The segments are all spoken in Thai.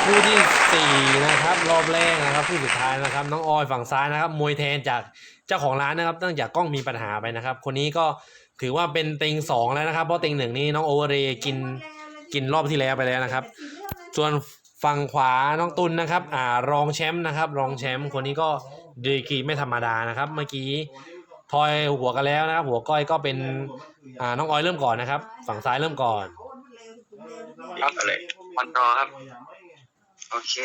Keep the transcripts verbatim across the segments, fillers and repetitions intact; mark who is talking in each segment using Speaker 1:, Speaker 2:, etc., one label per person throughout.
Speaker 1: คู่ที่สี่นะครับรอบแรกนะครับคู่สุดท้ายนะครับน้องออยฝั่งซ้ายนะครับมวยแทนจากเจ้าของร้านนะครับตั้งจากกล้องมีปัญหาไปนะครับคนนี้ก็ถือว่าเป็นเต็งสองแล้วนะครับเพราะเต็งหนึ่งนี่น้องโอเวอร์เรย์กินกินรอบที่แล้วไปแล้วนะครับส่วนฝั่งขวาน้องตุลนะครับอ่ารองแชมป์นะครับรองแชมป์คนนี้ก็ดีกรีไม่ธรรมดานะครับเมื่อกี้ทอยหัวกันแล้วนะครับหัวก้อยก็เป็นอ่าน้องออยเริ่มก่อนนะครับฝั่งซ้ายเริ่มก่อน
Speaker 2: ครับเลยวันรอครับโอเค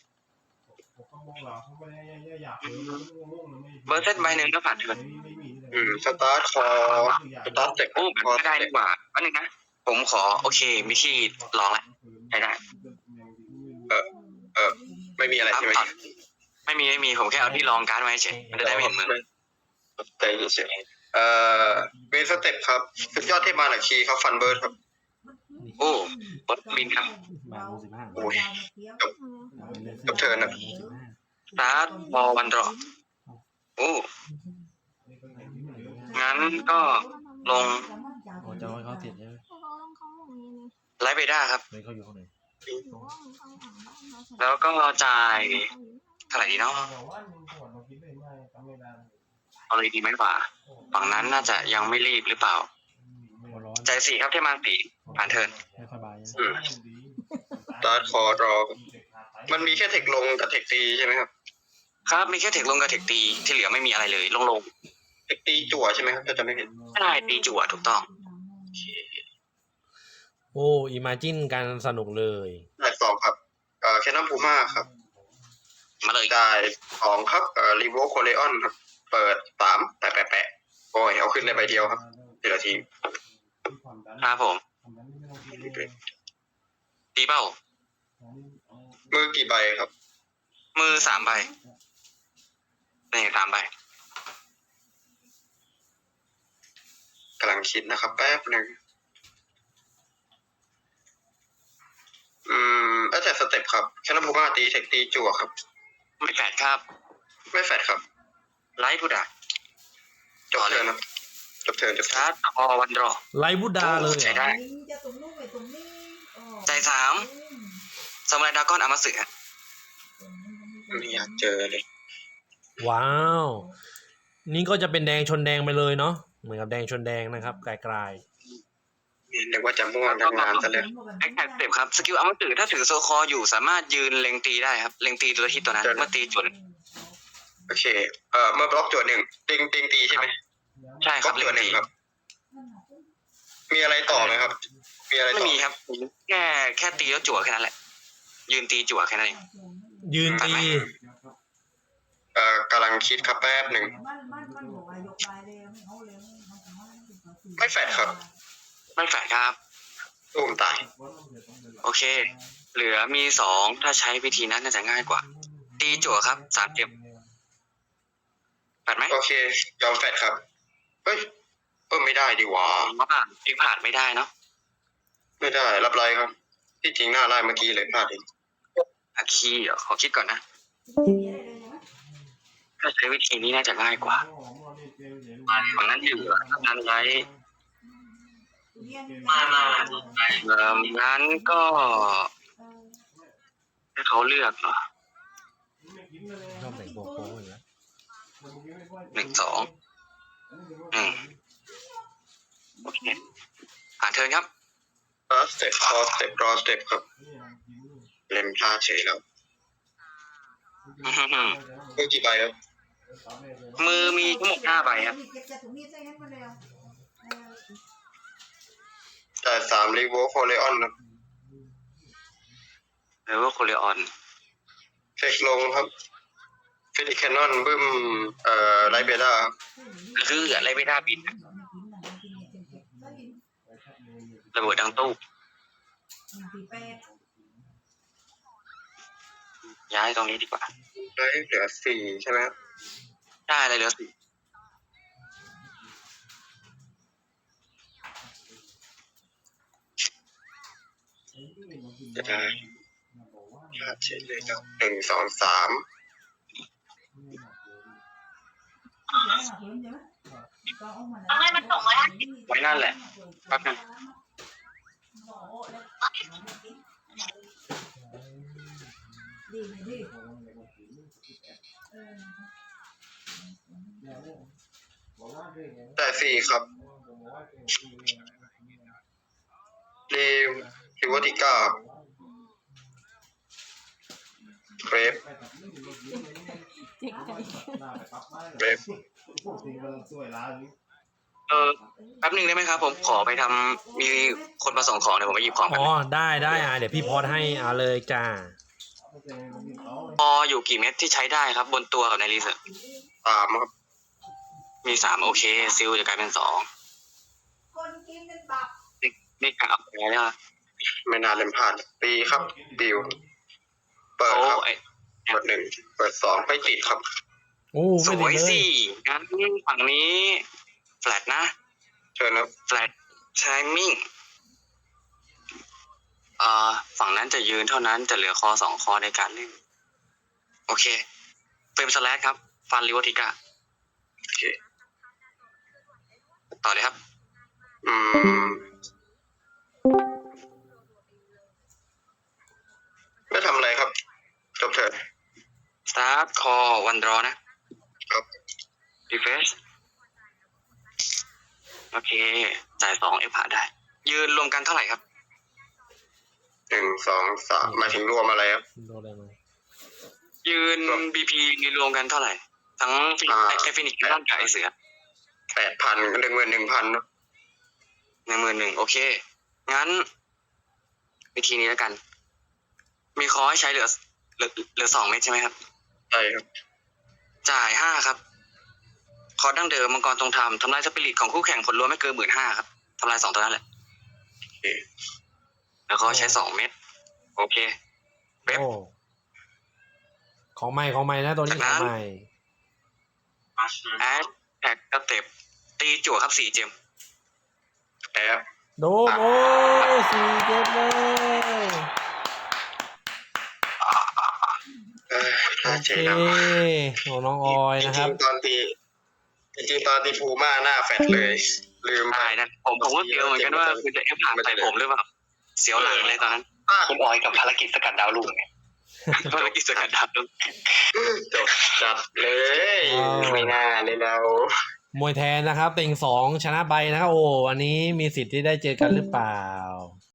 Speaker 2: เบอร์เซตใบหนึ่งก็ผ่านเถิด
Speaker 3: อืมสตาร์ทคอสตาร์ทเจ็บ
Speaker 2: โอ้แบบไม่ได้ดีกว่าอันนึงนะผมขอโอเคมีที่ลองละใช้ได้
Speaker 3: เออเออไม่มีอะไรใช่ไหม
Speaker 2: ไม่มีไม่มีผมแค่เอาที่ลองการ์ดไว้เฉยมันจะได้ไม่เห็นมือ
Speaker 3: แต่เฉยเอ่อเวสเต็ปครับสุดยอดเทพมาหลักคีครับฟันเบิร์ดครับ
Speaker 2: โอ้บอสบินครับ
Speaker 3: โอ้ยจบจบเทิร์นนะ
Speaker 2: สตาร์ทบอลวันรอโอ้งั้นก็ลง
Speaker 1: จะให้เขาติดใช่ไหม
Speaker 2: ไลฟ์เบด้าครับ
Speaker 1: เขาอยู่ข้างใน
Speaker 2: แล้วก็จ่ายเท่าไหร่ดีเนาะเอาเลยดีไหมกว่าฝั่งนั้นน่าจะยังไม่รีบหรือเปล่าใจสี่ครับเทพมาสี่ผ่านเทิร์น
Speaker 3: สตาร์ทคอรอมันมีแค่เทคลงกับเทคตีใช่ไหมครับ
Speaker 2: ครับมีแค่เทคลงกับเทคตีที่เหลือไม่มีอะไรเลยลงลง
Speaker 3: เทคตีจั่วใช่ไหมครับถ้าจะไม่ผิด
Speaker 2: ใช่ตีจั่วถูกต้อง
Speaker 1: โอ้อิมาจินกันสนุกเลย
Speaker 3: ได้สองครับเอ่อแคนนอนพูม่าครับ
Speaker 2: มาเลย
Speaker 3: ได้สองครับเอ่อรีโวโคเลออนครับเปิดสามแปะแปะแปะโอ้ยเอาขึ้นได้ใบเดียวครับทีละที
Speaker 2: ครับผมตีเป้า
Speaker 3: มือกี่ใบครับ
Speaker 2: มือสามใบนี่สามใบ
Speaker 3: กำลังคิดนะครับแป๊บหนึ่งอืมแอตแทกสเต็ปครับแคนนอนพูม่าตีเทคตีจั่วครับ
Speaker 2: ไม่แฟดครับ
Speaker 3: ไม่แฟดครับ
Speaker 2: ไลท์บูดา
Speaker 3: จบเทิร์นครับจบเทิร์นจบ
Speaker 2: ชาร์จพอวันรอ
Speaker 1: ไลท์บูดาเลย
Speaker 2: ใช้ได้ใจสามสมุไรดราก้อนอามาสึฮะ
Speaker 3: ไม่อยากเจอเลย
Speaker 1: ว้าวนี่ก็จะเป็นแดงชนแดงไปเลยเนาะเหมือนกับแดงชนแดงนะครับไกล
Speaker 3: ๆเรียกว่าจะม่วงทำงานซะเลย
Speaker 2: แอคแท็กสเต็ปครับสกิลอามาสึถ้าถือโซคออยู่สามารถยืนเล็งตีได้ครับเล็งตีตัวที่ตัวนั้นเมื่อตีจุด
Speaker 3: โอเคเอ่อเมื่อบล็อกจุดหนึ่งติงติงตีใช่ไหม
Speaker 2: ใช่ครับ
Speaker 3: จุดหนึ่งครับมีอะไรต่อไหมครับมีอะไร
Speaker 2: ไม่มีครับแค่แค่ตีแล้วจั่วแค่นั้นแหละยืนตีจั่วแค่นั้นเอง
Speaker 1: ยืนตี
Speaker 3: เอ่อกำลังคิดครับแป๊บหนึ่งไม่แฟดครับ
Speaker 2: ไม่แฟดครับ
Speaker 3: ตุ้มตาย
Speaker 2: โอเคเหลือมีสองถ้าใช้วิธีนั้นน่าจะง่ายกว่าตีจั่วครับสามเจ็บแฟดไหม
Speaker 3: โอเคยอมแฟดครับเฮ้ยเออไม่ได้ดีกว่า
Speaker 2: ผ่านอีกผ่านไม่ได้เนาะ
Speaker 3: ไม่ได้รับไรครับที่จริงหน้าไล่เมื่อกี้เลยพลาดเอง
Speaker 2: อาคีเหรอขอคิดก่อนนะถ้าใช้วิธีนี้น่าจะง่ายกว่าฝั่งนั้นอยู่นั้นไรมามาเอ่องั้นก็ให้เขาเลือกเหรอ
Speaker 1: ชอบแต่งโป๊ะๆอยู่แล้ว
Speaker 2: หนึ่งสองอืมโอเคผ่านเทิร์นครับ
Speaker 3: สเต็ปคอสเต็ปรอสเต็ปครับเล่นพลาดเฉยแล้วมือกี่ใบครับ
Speaker 2: มือมีทั้งหมดห้าใบครับ
Speaker 3: แต่สามรีโวโคเลออนครับ
Speaker 2: หรือว่าโคเลออน
Speaker 3: เฟกลงครับเฟนิแคนนอนบึ้มเอ่อไลเบด้า
Speaker 2: คืออะไรไม่ได้บินระเบิดดังตู้ย้ายตรงนี้ดีกว่า
Speaker 3: ได้เหลือสี่ใช่ไหม
Speaker 2: ได้อะไรเหลือสี่
Speaker 3: จะได้พลาดเฉยเลยครับหนึ่งสองสาม
Speaker 2: ให้มันส่งมาได้ไว้นั่นแหละแป๊บนึง
Speaker 3: สี่ครับรีริวติก้าเวฟเวฟ
Speaker 2: เออแป๊บหนึงได้ไหมครับ ผมขอไปทำมีคนมาส่งของเดี๋ยวผมไปหยิบของกั
Speaker 1: อ๋
Speaker 2: น
Speaker 1: อได้ได้อ่ะเดี๋ยวพี่พอดให้เอาเลยจ้า
Speaker 2: พออยู่กี่เม็ดที่ใช้ได้ครับ บนตัวกับในรีเสิร์ช
Speaker 3: สามครับ
Speaker 2: มีสามโอเคซิลจะกลายเป็นสอง
Speaker 4: คนกินเป็นบับ
Speaker 2: นี่นี่กะเอาไปแล้วอะ
Speaker 3: ไม่น่าเล่นพลาดตีครับดิวเปิด
Speaker 2: โอ้
Speaker 3: ครับ
Speaker 2: ไอ้
Speaker 3: เปิดหนึ่งเปิดสองไม่ติดครับ
Speaker 1: โอ้
Speaker 2: ส
Speaker 1: ไม่
Speaker 2: วย
Speaker 1: ได้เล
Speaker 2: สิ
Speaker 1: ย
Speaker 2: งั้นฝั่งนี้แฟลตนะ
Speaker 3: เชิญครับ
Speaker 2: แฟลตไทมิ่งอ่าฝั่งนั้นจะยืนเท่านั้นจะเหลือคอสองคอในการเล่น โอเคเฟรมสแลชครับ ฟันริวติก้า
Speaker 3: โอเค
Speaker 2: ต่อเลยครับ
Speaker 3: อืมไม่ทำอะไรครับจบเถิด
Speaker 2: start call one draw นะครับ refresh โอเค จ่ายสองเอฟผ่าได้ ยืนรวมกันเท่าไหร่ครับ
Speaker 3: หนึ่งสองสามหมายถึงรวมอะไรครับ
Speaker 1: โดนอะไรมา
Speaker 2: ยืน บี พี รวมกันเท่าไหร่ ทั้ง
Speaker 3: อ่า
Speaker 2: ไอฟินิกร่างกับไอเสือ
Speaker 3: แปดพันหนึ่งหมื่นหนึ่งพัน
Speaker 2: หนึ่งหมื่นหนึ่งโอเค งั้น วิธีนี้แล้วกัน มีคอให้ใช้เหลือเหลือเหลือสองเม็ดใช่ไหมครับ
Speaker 3: ใช่ครับ
Speaker 2: จ่ายห้าครับ คอร์สดั้งเดิมมังกรตรงทำทำลายสปิริตของคู่แข่งผลรวมไม่เกินหมื่นห้าครับทำลายสองตัวนั้นแหละ
Speaker 3: โอเค
Speaker 2: แล้วก็ใช้สองเม็ดโอเค เว็บ
Speaker 1: โอ้ของใหม่ของใหม่นะตัวนี้
Speaker 2: จากนั้
Speaker 1: ของ
Speaker 2: น
Speaker 1: ใหม่
Speaker 2: แอดแท็กสเต็ปตีจั่วครับสี่เจม
Speaker 3: แอบ
Speaker 1: โดนโอ้สี่เจ็บเลย
Speaker 3: เอ้ย
Speaker 1: โอ
Speaker 3: น่า
Speaker 1: เค
Speaker 3: เจ๊ดำ
Speaker 1: ของน้องออย
Speaker 3: จ
Speaker 1: นะค
Speaker 3: ริ
Speaker 1: รับ
Speaker 3: งๆตอนตีจริงๆตอนตีภูมาหน้าแฟดเลย ลืมไป
Speaker 2: ใช่นะผมผมก็เสียวเหมือนกันว่าคุณจะเอฟผ่านใส่ผมหรือเปล่าเสียวหลังเลยตอนนั้น
Speaker 5: คุณออยกับภารกิจสกัดดาวลุ่งไง
Speaker 2: ภารกิจสกัดดาบต้อง
Speaker 3: จบจัดเลย
Speaker 1: ว้าว
Speaker 3: ไม่น่าเลยเรา
Speaker 1: มวยแทนนะครับเต็งสองชนะไปนะครับโอ้อันนี้มีสิทธิ์ที่ได้เจอกันหรือเปล่า